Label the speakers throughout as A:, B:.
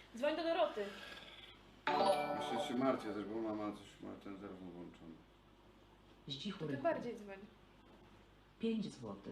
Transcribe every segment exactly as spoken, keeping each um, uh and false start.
A: Dzwoń do Doroty.
B: Jeszcze się martwię też, bo mama coś ma ten telefon włączony.
C: Zdzichu
A: To ty
C: rychu.
A: bardziej dzwoń.
C: pięć złotych.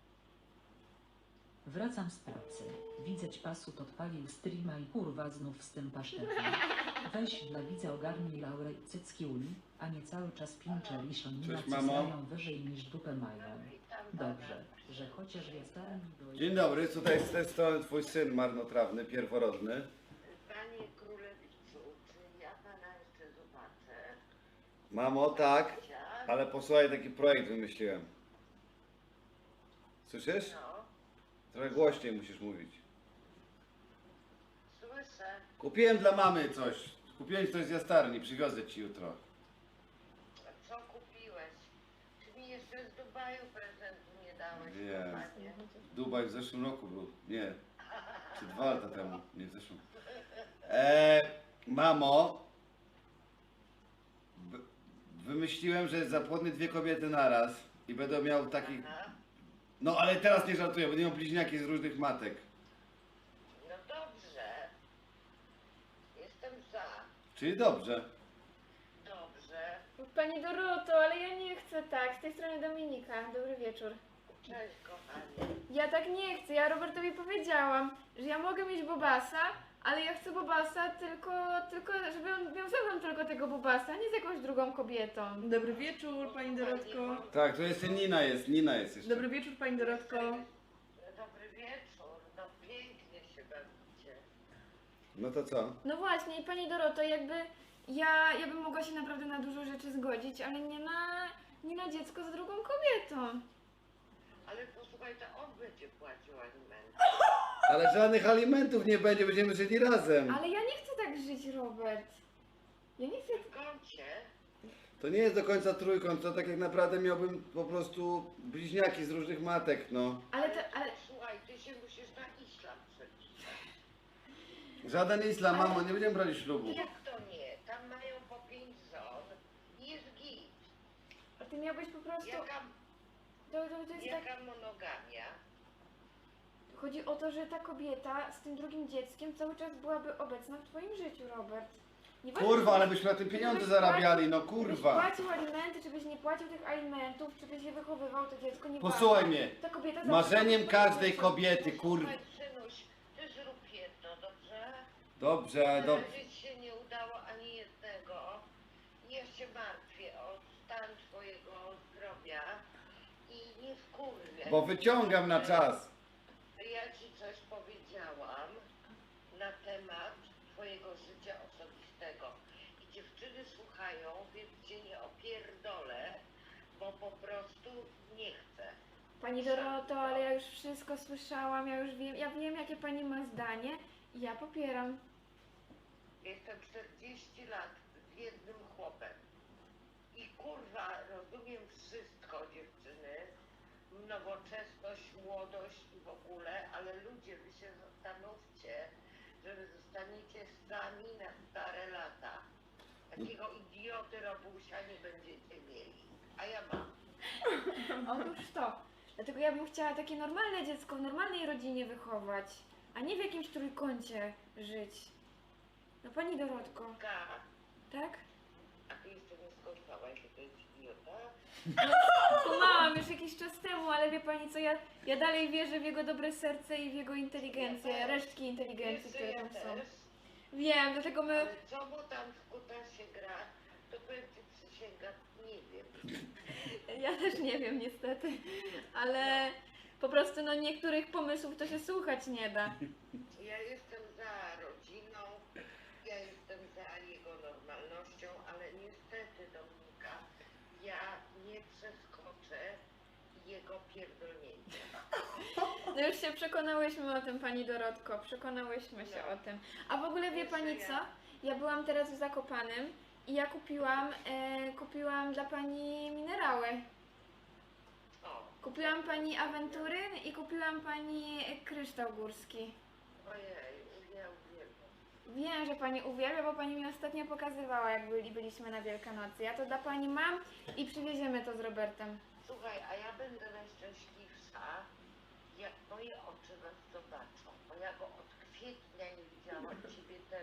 C: Wracam z pracy. Widzę pasut odpalił streama i kurwa znów z tym pasztetem. Weź dla widza ogarnij Laurę i cycki uli, a nie cały czas pincze liszonina,
B: Cześć,
C: co
B: mamo.
C: znają wyżej niż dupę mają. Dobrze, że chociaż ja starym do...
B: Dzień dobry, tutaj z tej strony twój syn marnotrawny, pierworodny.
D: Panie Królewiczu, czy ja pana jeszcze zobaczę?
B: Mamo, tak, ale posłuchaj, taki projekt wymyśliłem. Słyszysz?
D: No,
B: Trochę głośniej musisz mówić.
D: słyszę.
B: Kupiłem dla mamy coś. Kupiłem coś z jastarni, przywiozę ci jutro.
D: A co kupiłeś? Czy mi jeszcze z Dubaju prezentu nie dałeś?
B: Nie.
D: Panie?
B: Dubaj w zeszłym roku był. Nie. Czy dwa lata temu. Nie w zeszłym. Eee, mamo. b- Wymyśliłem, że zapłodnię dwie kobiety naraz i będę miał takich...
D: Aha.
B: No ale teraz nie żartuję, będę miał bliźniaki z różnych matek.
D: No dobrze. Jestem za.
B: Czyli dobrze.
D: Dobrze.
A: Pani Doroto, ale ja nie chcę tak. Z tej strony Dominika. Dobry wieczór.
D: Cześć kochanie.
A: Ja tak nie chcę. Ja Robertowi powiedziałam, że ja mogę mieć Bobasa, ale ja chcę Bobasa tylko, tylko żeby on miał ze mną tylko tego Bobasa, nie z jakąś drugą kobietą.
E: Dobry wieczór, pani Dorotko.
B: Tak, to jeszcze Nina jest, Nina jest jeszcze.
E: Dobry wieczór, pani Dorotko.
D: Dobry wieczór. No pięknie się bawicie.
B: No to co?
A: No właśnie, i pani Doroto, jakby ja, ja bym mogła się naprawdę na dużo rzeczy zgodzić, ale nie na, nie na dziecko z drugą kobietą.
D: Ale posłuchaj, to on będzie płacił alimenty.
B: Ale żadnych alimentów nie będzie, będziemy żyli razem.
A: Ale ja nie chcę tak żyć, Robert. Ja nie chcę...
D: W kącie.
B: To nie jest do końca trójkąt, to tak jak naprawdę miałbym po prostu bliźniaki z różnych matek, no.
A: Ale to, ale...
D: Słuchaj, ty się musisz na islam przepisać.
B: Żaden islam, mamo, nie będziemy brali ślubu.
D: Jak to nie? Tam mają po pięć żon i jest git.
A: A ty miałbyś po prostu...
D: Jaka,
A: To, to, to jest tak...
D: jaka monogamia?
A: Chodzi o to, że ta kobieta z tym drugim dzieckiem cały czas byłaby obecna w twoim życiu, Robert. Nieważne,
B: Kurwa,
A: czy-
B: ale byśmy na tym
A: czy
B: pieniądze
A: byś
B: zarabiali, no
A: płacił- Czy byś
B: kurwa.
A: płacił alimenty, czy byś nie płacił tych alimentów, czy byś je wychowywał, to dziecko nie
B: Posłuchaj mnie.
A: Ta kobieta zawsze
B: Marzeniem
A: będzie
B: każdej
A: twoim
B: kobiety, kurwa.
D: Słuchaj, synuś, ty zrób jedno, dobrze?
B: Dobrze, ale dobrze.
D: Żyć się nie udało ani jednego. Ja się martwię o stan twojego zdrowia i nie wkurwię.
B: Bo wyciągam na czas.
D: Ja ci coś powiedziałam na temat twojego życia osobistego. I dziewczyny słuchają, więc cię nie opierdolę, bo po prostu nie chcę.
A: Pani Doroto, ale ja już wszystko słyszałam, ja już wiem, ja wiem jakie pani ma zdanie i ja popieram.
D: Jestem czterdzieści lat z jednym chłopem. I kurwa, rozumiem wszystko, dziewczyny. Nowoczesność, młodość i w ogóle, ale ludzie, wy się zastanówcie, że wy zostaniecie sami na stare lata. Takiego idioty Robusia nie będziecie mieli. A ja mam.
A: Otóż to. Dlatego ja bym chciała takie normalne dziecko w normalnej rodzinie wychować, a nie w jakimś trójkącie żyć. No pani Dorotko,
D: Ka,
A: tak?
D: a ty jeszcze nie skończyłaś, że to jest idiota?
A: Kumałam już jakiś czas temu, ale wie pani co, ja, ja dalej wierzę w jego dobre serce i w jego inteligencję,
D: Ja też.
A: resztki inteligencji,
D: Wiesz,
A: które
D: ja
A: tam są.
D: też.
A: Wiem, dlatego my...
D: Ale co mu tam w kutasie gra, to powiem ci przysięgam, nie wiem.
A: Ja też nie wiem niestety, ale po prostu no niektórych pomysłów to się słuchać nie da.
D: Ja jestem za rodziną, ja jestem za jego normalnością, ale niestety, Dominika, ja nie przeskoczę jego pierdolnięcia.
A: No już się przekonałyśmy o tym, pani Dorotko, przekonałyśmy się
D: No.
A: o tym. A w ogóle wie pani
D: Jeszcze
A: co?
D: ja.
A: Ja byłam teraz w Zakopanem i ja kupiłam, e, kupiłam dla pani minerały.
D: O,
A: Kupiłam pani awentury i kupiłam pani kryształ górski.
D: ojej, ja uwielbiam.
A: Wiem, że pani uwielbia, bo pani mi ostatnio pokazywała, jak byli, byliśmy na Wielkanocy. Ja to dla pani mam i przywieziemy to z Robertem.
D: Słuchaj, a ja będę najszczęśliwsza, jak moje oczy was zobaczą, bo ja go od kwietnia nie widziałam, ciebie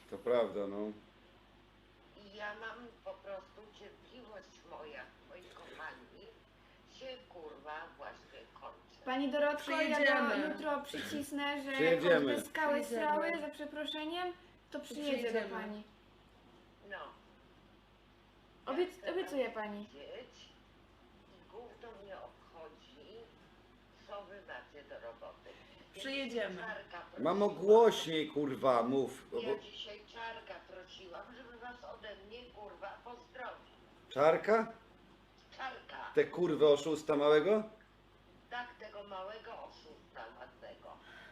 B: To prawda, no.
D: I ja mam po prostu cierpliwość moja, moi kochani, się kurwa właśnie kończy.
A: Pani Dorotko, ja do
E: Przyjedziemy.
A: jutro przycisnę, że
B: Przyjedziemy.
A: choćby skały
E: Przyjedziemy.
A: strały, za przeproszeniem, to przyjedzie do
E: Przyjedziemy.
A: pani.
D: No.
A: Obiec,
D: Ja chcę
A: obiecuję
D: tam
A: pani.
D: siedzieć I gówno mnie obchodzi, co wy macie do roboty. Więc
E: Przyjedziemy.
D: Czarka
B: Mamo,
D: prosiła-
B: głośniej, kurwa, mów. Bo...
D: Ja dzisiaj Czarka prosiłam, żeby was ode mnie kurwa pozdrowić.
B: Czarka?
D: Czarka,
B: Te kurwy oszusta małego?
D: tak tego małego oszusta ładnego.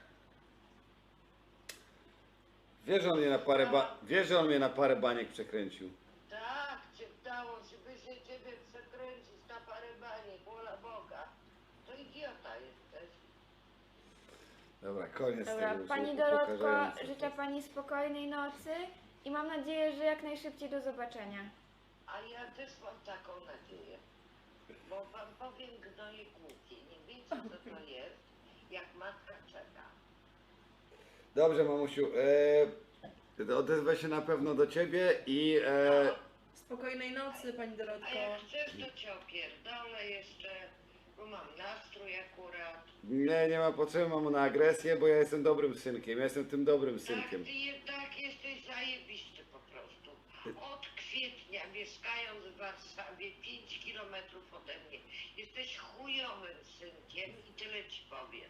B: Wiesz, że on mnie na parę ba... Wiesz, że on mnie na parę baniek przekręcił.
D: Tak, cię dało się, by się ciebie przekręcić na parę baniek, wola Boga. To idiota jesteś.
B: Dobra, koniec
A: Dobra,
B: tego. już
A: pani
B: nie
A: Dorotko,
B: upokarzające.
A: życzę pani spokojnej nocy i mam nadzieję, że jak najszybciej do zobaczenia.
D: A ja też mam taką nadzieję. Bo wam powiem gnoje głupie. Nie wiecie co to jest, jak matka czeka.
B: Dobrze, mamusiu. E... Odezwę się na pewno do ciebie i... E...
E: Spokojnej nocy, pani
D: A
E: Dorotko.
D: jak chcesz, to cię opierdolę jeszcze, bo mam nastrój akurat.
B: Nie, nie ma potrzeby, mamo, na agresję, bo ja jestem dobrym synkiem. Ja jestem tym dobrym
D: Tak,
B: synkiem.
D: ty jednak jesteś zajebisty po prostu. Od kwietnia, mieszkając w Warszawie, pięć kilometrów ode mnie, jesteś chujowym synkiem i tyle ci powiem.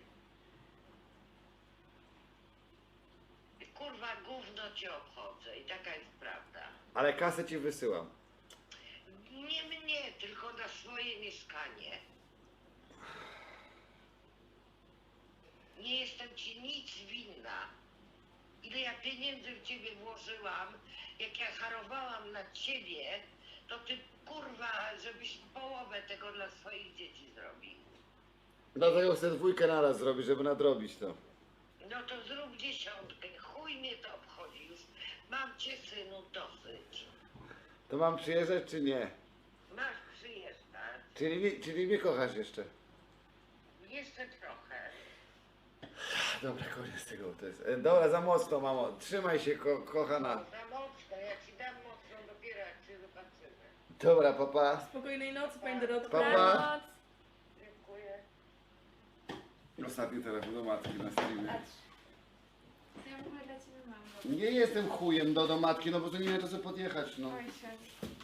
D: Kurwa, gówno cię obchodzę i taka jest prawda.
B: Ale kasę ci wysyłam.
D: Nie mnie, tylko na swoje mieszkanie. Nie jestem ci nic winna. Ile ja pieniędzy w ciebie włożyłam, jak ja harowałam na ciebie, to ty kurwa, żebyś połowę tego dla swoich dzieci zrobił.
B: Dlatego chcę dwójkę naraz zrobić, żeby nadrobić to.
D: No to zrób dziesiątkę, chuj mnie to obchodzi już. Mam cię synu dosyć.
B: To mam przyjeżdżać czy nie?
D: Masz przyjeżdżać.
B: Czyli, czyli mnie kochasz jeszcze.
D: Jeszcze trochę.
B: Dobra, koniec tego. To jest... e, Dobra, za mocno, mamo. Trzymaj się, ko kochana.
D: Za mocno, ja ci dam mocno dopiero jak się zobaczymy.
B: Dobra, papa.
E: Spokojnej nocy, pani Dorotko.
B: Pa, pa.
A: Dobranoc.
D: Dziękuję.
B: Ostatni telefon do matki na streamie.
A: Patrz. Co ja w ogóle dla ciebie mam?
B: Nie jestem chujem do, do matki, no bo to nie wiem, to co podjechać, no.
A: Oj, szef.